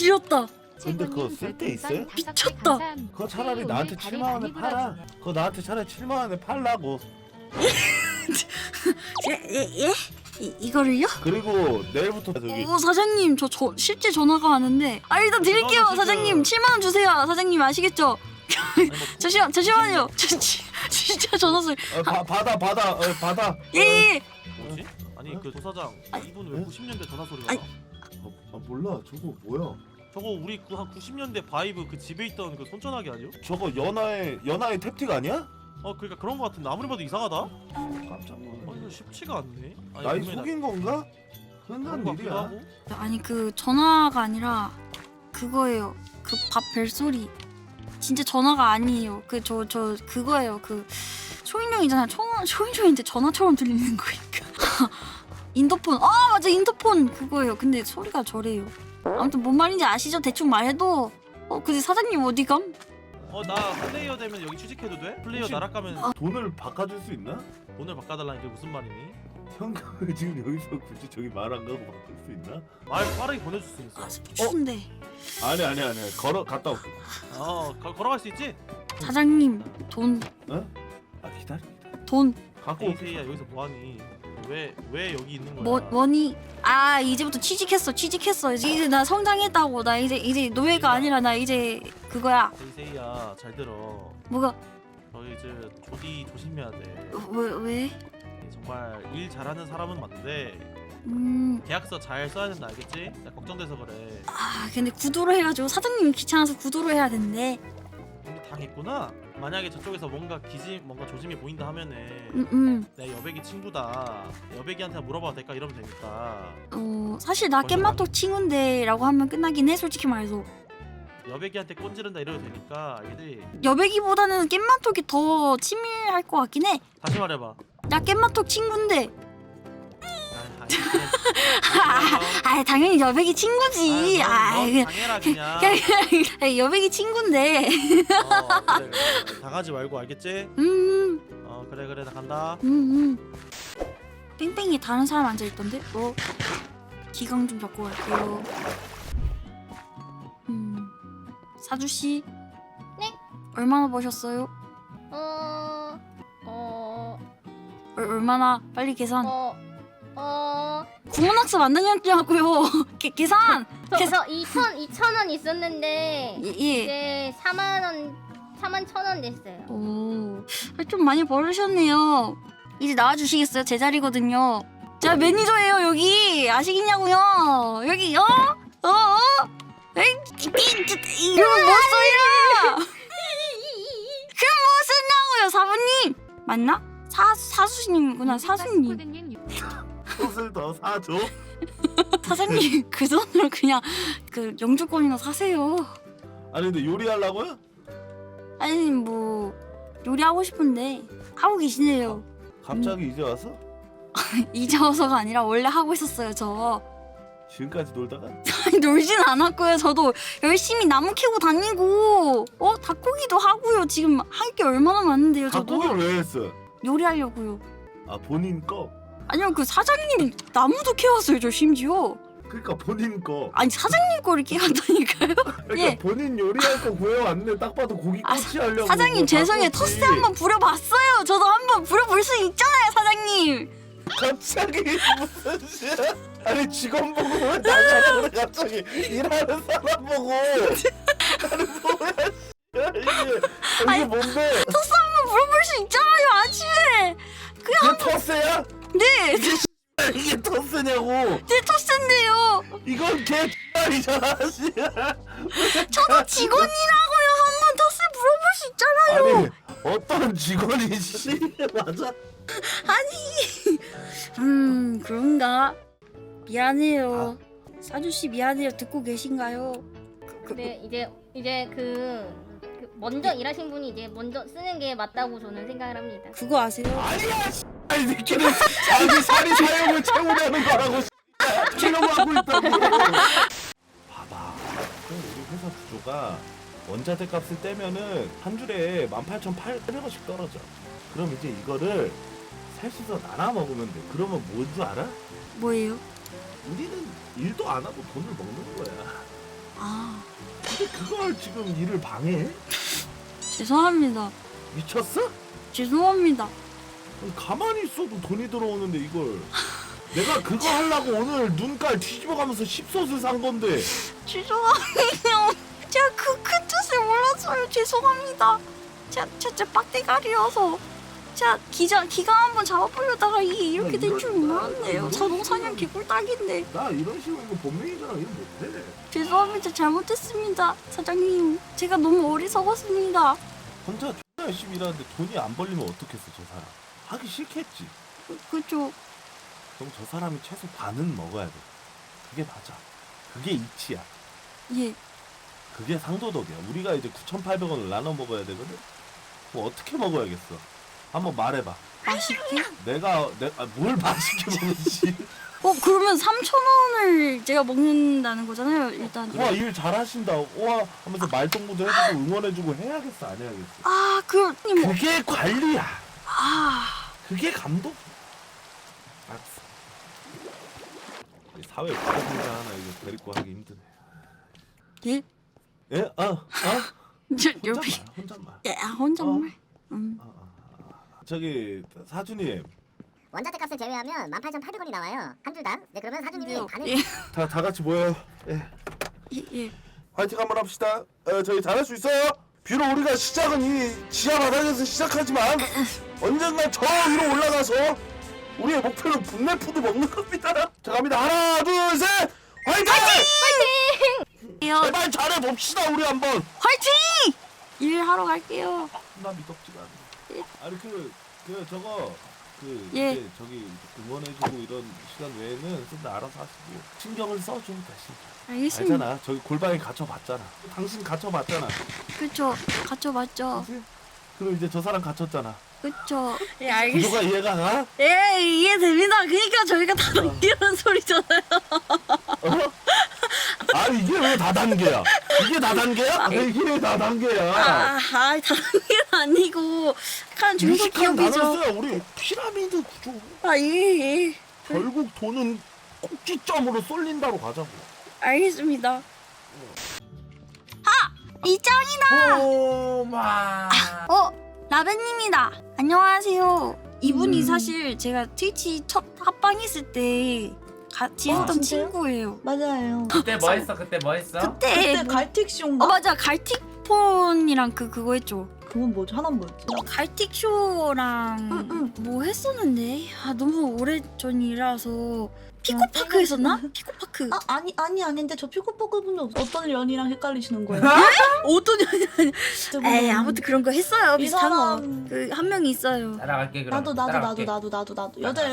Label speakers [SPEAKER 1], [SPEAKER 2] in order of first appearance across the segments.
[SPEAKER 1] 지렸다.
[SPEAKER 2] 근데 그거 쓸 데 있어요?
[SPEAKER 1] 미쳤다.
[SPEAKER 2] 그거 차라리 나한테 7만 원에 팔아. 그거 나한테 차라리 7만 원에 팔라고.
[SPEAKER 1] 예? 이거를요?
[SPEAKER 2] 그리고 내일부터 저기
[SPEAKER 1] 사장님 저 실제 전화가 왔는데 일단 드릴게요.
[SPEAKER 2] 지금-
[SPEAKER 1] 사장님 7만 원 주세요. 사장님 아시겠죠? 잠시만요. 진짜 전화 소리.
[SPEAKER 2] 받아.
[SPEAKER 1] 예.
[SPEAKER 3] 뭐지? 아니 그 도사장 이분 왜 90년대 전화 소리가
[SPEAKER 1] 아니.
[SPEAKER 3] 나?
[SPEAKER 2] 몰라. 저거 뭐야?
[SPEAKER 3] 저거 우리 그 한 90년대 바이브 그 집에 있던 그 손전화기 아니요?
[SPEAKER 2] 저거 연하의 탭틱 아니야?
[SPEAKER 3] 그러니까 그런 거 같은데 아무리 봐도 이상하다?
[SPEAKER 2] 깜짝 놀랐네.
[SPEAKER 3] 이거 쉽지가 않네. 아니,
[SPEAKER 2] 나이
[SPEAKER 3] 분명히
[SPEAKER 2] 속인 건가?
[SPEAKER 3] 그런
[SPEAKER 2] 흔한
[SPEAKER 3] 거 같기도
[SPEAKER 2] 일이야.
[SPEAKER 3] 하고.
[SPEAKER 1] 아니 그 전화가 아니라 그거예요. 그 밥 벨소리. 진짜 전화가 아니에요. 그 저 그거예요. 그 초인종이잖아. 초인종인데 전화처럼 들리는 거니까. 인터폰. 맞아 인터폰 그거예요. 근데 소리가 저래요. 아무튼 뭔 말인지 아시죠? 대충 말해도. 근데 사장님 어디감?
[SPEAKER 3] 나 플레이어 되면 여기 취직해도 돼? 플레이어
[SPEAKER 2] 혹시-
[SPEAKER 3] 나락가면
[SPEAKER 2] 돈을 바꿔줄 수 있나?
[SPEAKER 3] 돈을 바꿔달라는 게 무슨 말이니?
[SPEAKER 2] 현금을 지금 여기서 굳이 저기 말 안 가고 바꿀 수 있나?
[SPEAKER 3] 말 빠르게 보내줄 수 있어.
[SPEAKER 1] 추운데.
[SPEAKER 2] 아니. 갔다 올게.
[SPEAKER 3] 걸어갈 수 있지?
[SPEAKER 1] 사장님 돈.
[SPEAKER 2] 기다려.
[SPEAKER 1] 돈.
[SPEAKER 2] 갖고 올게.
[SPEAKER 3] 에이세이야 여기서 뭐하니? 왜 여기 있는 거야?
[SPEAKER 1] 뭐니? 이제부터 취직했어. 이제 나 성장했다고. 나 이제 노예가 아니라 나 이제 그거야.
[SPEAKER 3] 에이세이야 잘 들어.
[SPEAKER 1] 뭐가?
[SPEAKER 3] 저희 이제 조디 조심해야 돼.
[SPEAKER 1] 왜?
[SPEAKER 3] 정말 일 잘하는 사람은 맞는데 계약서 잘 써야 된다 알겠지? 나 걱정돼서 그래.
[SPEAKER 1] 근데 구도로 해가지고 사장님이 귀찮아서 구도로 해야 된대.
[SPEAKER 3] 이미 당했구나. 만약에 저쪽에서 뭔가 조짐이 보인다 하면은 내 여백이 친구다. 여백이한테 물어봐도 될까 이러면 되니까.
[SPEAKER 1] 사실 나 깻맛톡 친구인데라고 하면 끝나긴 해. 솔직히 말해서
[SPEAKER 3] 여백이한테 꼰지른다 이러도 되니까 알겠지?
[SPEAKER 1] 여배기보다는 깻맛톡이 더 친밀할 것 같긴 해.
[SPEAKER 3] 다시 말해봐.
[SPEAKER 1] 나 깻맛톡 친구인데.
[SPEAKER 3] 아니,
[SPEAKER 1] 당연히 여배기 친구지.
[SPEAKER 3] 넌 당해라 그냥.
[SPEAKER 1] 여배기 친구인데.
[SPEAKER 3] 그래. 당하지 말고 알겠지? 그래 나 간다.
[SPEAKER 1] 뺑뺑이 다른 사람 앉아 있던데. 기강 좀 잡고 갈게요. 사주 씨.
[SPEAKER 4] 네?
[SPEAKER 1] 얼마나 버셨어요? 얼마나 빨리 계산. 구몬학습 안 다녔냐고요. 계산.
[SPEAKER 4] 저 2,000원 있었는데
[SPEAKER 1] 예.
[SPEAKER 4] 이제 41,000원 됐어요.
[SPEAKER 1] 좀 많이 벌으셨네요. 이제 나와주시겠어요? 제 자리거든요. 제가 매니저예요 여기. 아시겠냐고요? 여기 이러면 뭐 써요? 그럼 뭐 쓴다고요 사부님? 맞나? 사수님이구나. 사수님.
[SPEAKER 2] 옷을 더 사줘.
[SPEAKER 1] 사장님 그 돈으로 그냥 그 영주권이나 사세요.
[SPEAKER 2] 아니 근데 요리하려고요?
[SPEAKER 1] 아니 뭐 요리하고 싶은데 하고 계시네요.
[SPEAKER 2] 갑자기 이제 와서?
[SPEAKER 1] 이제 와서가 아니라 원래 하고 있었어요 저.
[SPEAKER 2] 지금까지 놀다가?
[SPEAKER 1] 놀진 않았고요. 저도 열심히 나무 캐고 다니고 닭고기도 하고요. 지금 할 게 얼마나 많은데요. 저도
[SPEAKER 2] 닭고기를 왜 했어?
[SPEAKER 1] 요리하려고요.
[SPEAKER 2] 본인 거?
[SPEAKER 1] 아니요 그 사장님 나무도 캐왔어요 저 심지어.
[SPEAKER 2] 그러니까 본인 거.
[SPEAKER 1] 아니 사장님 거를 캐왔다니까요.
[SPEAKER 2] 그러니까
[SPEAKER 1] 예.
[SPEAKER 2] 본인 요리할 거 구해왔네. 딱 봐도 고기 꼬치 하려고.
[SPEAKER 1] 사장님
[SPEAKER 2] 뭐
[SPEAKER 1] 죄송해요.
[SPEAKER 2] 닭꼬치.
[SPEAKER 1] 터스 한번 부려봤어요. 저도 한번 부려볼 수 있잖아요 사장님.
[SPEAKER 2] 갑자기 무슨 씨? 아니 직원 보고 왜 나가라 그래 갑자기 일하는 사람 보고. 아니 뭐야 이게 뭔데?
[SPEAKER 1] 터스 한번 물어볼 수 있잖아요 아침에.
[SPEAKER 2] 이게 터스야?
[SPEAKER 1] 네.
[SPEAKER 2] 이게 터스냐고?
[SPEAKER 1] 네 터스인데요.
[SPEAKER 2] 이건 개 X이잖아 씨.
[SPEAKER 1] 저도 직원이라고요. 한번 터스 물어볼 수 있잖아요.
[SPEAKER 2] 아니 어떤 직원이 씨 맞아?
[SPEAKER 1] 그런가? 미안해요. 사주씨 미안해요. 듣고 계신가요?
[SPEAKER 4] 근데 이제 먼저 일하신 분이 이제 먼저 쓰는 게 맞다고 저는 생각을 합니다.
[SPEAKER 1] 그거 아세요?
[SPEAKER 2] 아니야 씨. 아니 느끼는 자기 살이 사용을 채우려는 거라고 씨. 채우려고 하고 있다고. 봐봐. 우리 회사 구조가 원자재 값을 떼면은 한 줄에 18,800원씩 떨어져. 그럼 이제 이거를 셋이서 나눠 먹으면 돼. 그러면 뭔 줄 알아?
[SPEAKER 1] 뭐예요?
[SPEAKER 2] 우리는 일도 안 하고 돈을 먹는 거야.
[SPEAKER 1] 아
[SPEAKER 2] 근데 그걸 지금 일을 방해해?
[SPEAKER 1] 죄송합니다.
[SPEAKER 2] 미쳤어?
[SPEAKER 1] 죄송합니다.
[SPEAKER 2] 가만히 있어도 돈이 들어오는데 이걸 내가 그거 하려고 오늘 눈깔 뒤집어가면서 10솥을 산 건데
[SPEAKER 1] 죄송해요. 제가 그 뜻을 몰랐어요. 죄송합니다. 제가 빡대가리여서 제가 기가 한번 잡아보려다가 이게 이렇게 될 줄 몰랐네요. 자동사냥 개꿀딱인데.
[SPEAKER 2] 나 이런 식으로 이거 본명이잖아. 이거 못해.
[SPEAKER 1] 죄송합니다. 잘못했습니다. 사장님. 제가 너무 어리석었습니다.
[SPEAKER 2] 혼자 존나 열심히 일하는데 돈이 안 벌리면 어떻겠어 저 사람. 하기 싫겠지.
[SPEAKER 1] 그죠?
[SPEAKER 2] 그럼 저 사람이 최소 반은 먹어야 돼. 그게 맞아. 그게 이치야.
[SPEAKER 1] 예.
[SPEAKER 2] 그게 상도덕이야. 우리가 이제 9,800원을 나눠 먹어야 되거든. 그럼 어떻게 먹어야겠어? 한번 말해봐.
[SPEAKER 1] 맛있게?
[SPEAKER 2] 내가 뭘 맛있게 먹었지?
[SPEAKER 1] 그러면 3,000원을 제가 먹는다는 거잖아요. 일단.
[SPEAKER 2] 와 일 잘하신다. 와 하면서 말동무도 해주고 응원해주고 해야겠어 안 해야겠어?
[SPEAKER 1] 아, 뭐.
[SPEAKER 2] 그게 관리야.
[SPEAKER 1] 아,
[SPEAKER 2] 그게 감독. 알았어. 이 사회 부동자 하나 이거 데리고 하기 힘드네.
[SPEAKER 1] 예?
[SPEAKER 2] 예?
[SPEAKER 1] 저 옆에.
[SPEAKER 2] 혼잣말.
[SPEAKER 1] 예, 혼잣말.
[SPEAKER 2] 저기 사주님
[SPEAKER 5] 원자재 값을 제외하면 18,800원이 나와요. 한 줄당. 네, 그러면 사장님이 반을
[SPEAKER 1] 예,
[SPEAKER 2] 다 같이 모여요. 예.
[SPEAKER 1] 예.
[SPEAKER 2] 화이팅 한번 합시다. 저희 잘할 수 있어요. 비록 우리가 시작은 이 지하 바닥에서 시작하지만 언젠가 저 위로 올라가서 우리의 목표는 분내푸드 먹는 겁니다. 자 갑니다. 하나 둘 셋 화이팅!
[SPEAKER 1] 요
[SPEAKER 2] 제발 잘해봅시다 우리 한번.
[SPEAKER 1] 화이팅! 일하러 갈게요.
[SPEAKER 2] 나 미덥지가 않네. 아니 저거
[SPEAKER 1] 예.
[SPEAKER 2] 이제 저기 응원해주고 이런 시간 외에는 좀 더 알아서 하시고 신경을 써줘 대신.
[SPEAKER 1] 알겠습니다.
[SPEAKER 2] 알잖아. 저기 골방에 갇혀봤잖아. 당신 갇혀봤잖아.
[SPEAKER 1] 그쵸. 갇혀 맞죠.
[SPEAKER 2] 그치? 그리고 이제 저 사람 갇혔잖아.
[SPEAKER 1] 그쵸. 예,
[SPEAKER 2] 구조가 이해가 가?
[SPEAKER 1] 예, 이해됩니다. 그러니까 저희가 다 이런 소리잖아요.
[SPEAKER 2] 어? 아니 이게 왜 다단계야? 이게 다단계야? 이게 다단계야.
[SPEAKER 1] 다단계는 아니고 약간
[SPEAKER 2] 유식한
[SPEAKER 1] 중소기업이죠.
[SPEAKER 2] 단어였어요. 우리 피라미드 구조.
[SPEAKER 1] 예.
[SPEAKER 2] 결국 돈은 꼭지점으로 쏠린다로 가자고.
[SPEAKER 1] 알겠습니다. 이짱이다.
[SPEAKER 2] 오마.
[SPEAKER 1] 라벤님이다. 안녕하세요. 이분이 사실 제가 트위치 첫 합방했을 때 같이 했던
[SPEAKER 6] 진짜요?
[SPEAKER 1] 친구예요.
[SPEAKER 6] 맞아요.
[SPEAKER 7] 그때 뭐 했어? 그때 뭐 했어?
[SPEAKER 1] 그때
[SPEAKER 6] 갈틱쇼인가?
[SPEAKER 1] 맞아. 갈틱폰이랑 그거 했죠.
[SPEAKER 6] 그건 뭐지? 하나는 뭐였지?
[SPEAKER 1] 갈틱쇼랑 뭐 했었는데 너무 오래 전이라서 피코파크 했었나? 피코파크.
[SPEAKER 6] 아닌데 저 피코포크 분은 어떤 연이랑 헷갈리시는 거예요?
[SPEAKER 1] 어떤 년이 에이 아무튼 그런 거 했어요.
[SPEAKER 6] 이
[SPEAKER 1] 비슷한 거.
[SPEAKER 6] 사람-
[SPEAKER 1] 그 한 명이 있어요.
[SPEAKER 7] 따라갈게 그럼.
[SPEAKER 6] 나도
[SPEAKER 7] 따라갈게.
[SPEAKER 6] 여자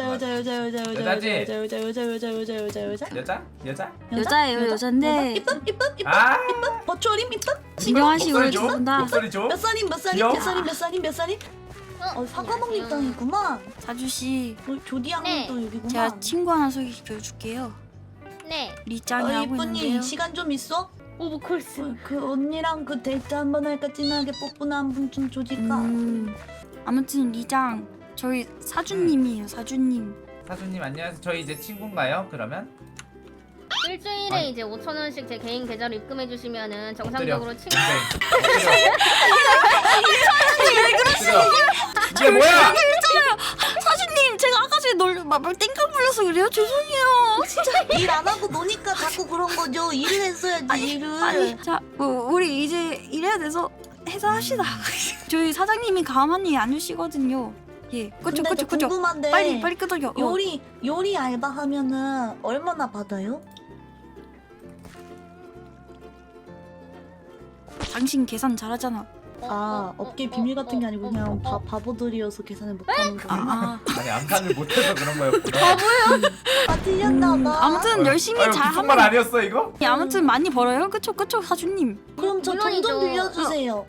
[SPEAKER 7] 여자인데
[SPEAKER 1] 여자인데
[SPEAKER 6] 이쁨
[SPEAKER 7] 아
[SPEAKER 6] 버추어림 이쁨
[SPEAKER 1] 진정하시고
[SPEAKER 7] 목소리 줘?
[SPEAKER 1] 두분다
[SPEAKER 7] 목소리 줘?
[SPEAKER 6] 몇 살임
[SPEAKER 7] 귀여워.
[SPEAKER 6] 몇 살임 사과먹는 땅이구만.
[SPEAKER 1] 사주씨
[SPEAKER 6] 조디 양도 여기구만.
[SPEAKER 1] 제가 친구 하나 소개시켜줄게요.
[SPEAKER 4] 네.
[SPEAKER 1] 리짱이라고
[SPEAKER 6] 이쁜이
[SPEAKER 1] 있는데요.
[SPEAKER 6] 시간 좀 있어?
[SPEAKER 4] 오브콜스.
[SPEAKER 6] 그 언니랑 그 데이트 한번 할까? 진하게 뽀뽀나 한 분 좀 조질까?
[SPEAKER 1] 아무튼 리짱 저희 사주님이에요. 사주님.
[SPEAKER 7] 사수님 안녕하세요. 저희 이제 친구인가요? 그러면?
[SPEAKER 4] 일주일에
[SPEAKER 7] 아니.
[SPEAKER 4] 이제 5,000원씩 제 개인 계좌로 입금해 주시면은
[SPEAKER 7] 엎드려.
[SPEAKER 4] 정상적으로 친구.
[SPEAKER 7] 이게 뭐야?
[SPEAKER 1] 사주님 제가 아까 전에 말 땡깡 불려서 그래요. 죄송해요. 진짜.
[SPEAKER 6] 일 안 하고 노니까 자꾸 그런 거죠. 일을 했어야지 일을.
[SPEAKER 1] 자 우리 이제 일해야 돼서 해서 합시다. 저희 사장님이 가만히 안 두시거든요. 예. 그쵸.
[SPEAKER 6] 근데 저 궁금한데
[SPEAKER 1] 빨리 끄덕여.
[SPEAKER 6] 요리 알바 하면은 얼마나 받아요?
[SPEAKER 1] 당신 계산 잘하잖아.
[SPEAKER 6] 업계 비밀 같은 게 아니고 그냥 바보들이어서 계산을 못하는 거예요.
[SPEAKER 7] 아니 암산을 못해서 그런 거였구나.
[SPEAKER 6] 틀렸나봐.
[SPEAKER 1] 아무튼 열심히
[SPEAKER 7] 아유,
[SPEAKER 1] 잘
[SPEAKER 7] 무슨 말
[SPEAKER 1] 하면
[SPEAKER 7] 아니었어 이거?
[SPEAKER 1] 아무튼 많이 벌어요. 그쵸 사주님.
[SPEAKER 6] 그럼 저 돈
[SPEAKER 4] 물론이죠.
[SPEAKER 6] 좀 빌려주세요.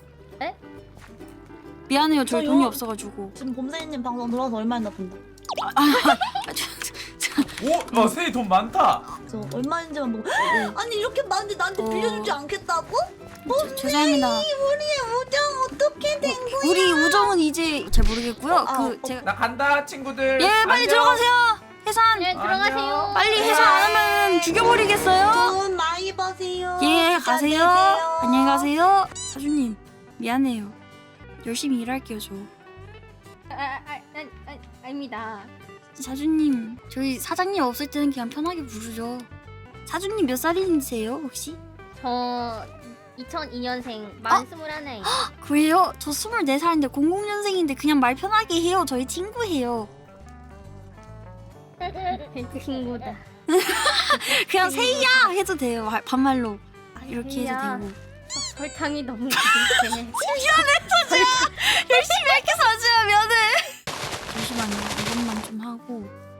[SPEAKER 1] 미안해요. 저희
[SPEAKER 6] 저요?
[SPEAKER 1] 돈이 없어가지고.
[SPEAKER 6] 지금 봄새님 방송 들어와서 얼마나 본다.
[SPEAKER 7] 오, 세이 돈 많다.
[SPEAKER 6] 저 얼마인지만 보고 아니 이렇게 많은데 나한테 빌려주지 않겠다고?
[SPEAKER 1] 죄송합니다.
[SPEAKER 6] 우리의 우정 어떻게 된 거야?
[SPEAKER 1] 우리 우정은 이제 잘 모르겠고요.
[SPEAKER 6] 아,
[SPEAKER 1] 제가
[SPEAKER 7] 나 간다 친구들.
[SPEAKER 1] 예 빨리
[SPEAKER 7] 안녕.
[SPEAKER 1] 들어가세요. 해산
[SPEAKER 4] 네, 들어가세요.
[SPEAKER 1] 빨리 해산 안 하면 죽여버리겠어요.
[SPEAKER 6] 돈 많이 버세요.
[SPEAKER 1] 예,
[SPEAKER 6] 부자
[SPEAKER 1] 가세요.
[SPEAKER 6] 되세요.
[SPEAKER 1] 안녕히 가세요. 사주님, 미안해요. 열심히 일할게요, 저.
[SPEAKER 4] 아닙니다.
[SPEAKER 1] 사주님, 저희 사장님 없을 때는 그냥 편하게 부르죠. 사주님 몇 살이세요, 혹시?
[SPEAKER 4] 저 2002년생 만 21에
[SPEAKER 1] 그래요? 저 24살인데 00년생인데 그냥 말 편하게 해요. 저희 친구예요.
[SPEAKER 4] 친구다.
[SPEAKER 1] 그냥 세이야 해도 돼요. 반말로. 이렇게 해도
[SPEAKER 4] 세이야.
[SPEAKER 1] 되고.
[SPEAKER 4] 설탕이 너무 부족해.
[SPEAKER 1] 열심히 이렇게 사주면 면은. 잠시만요. 이것만 좀 하고.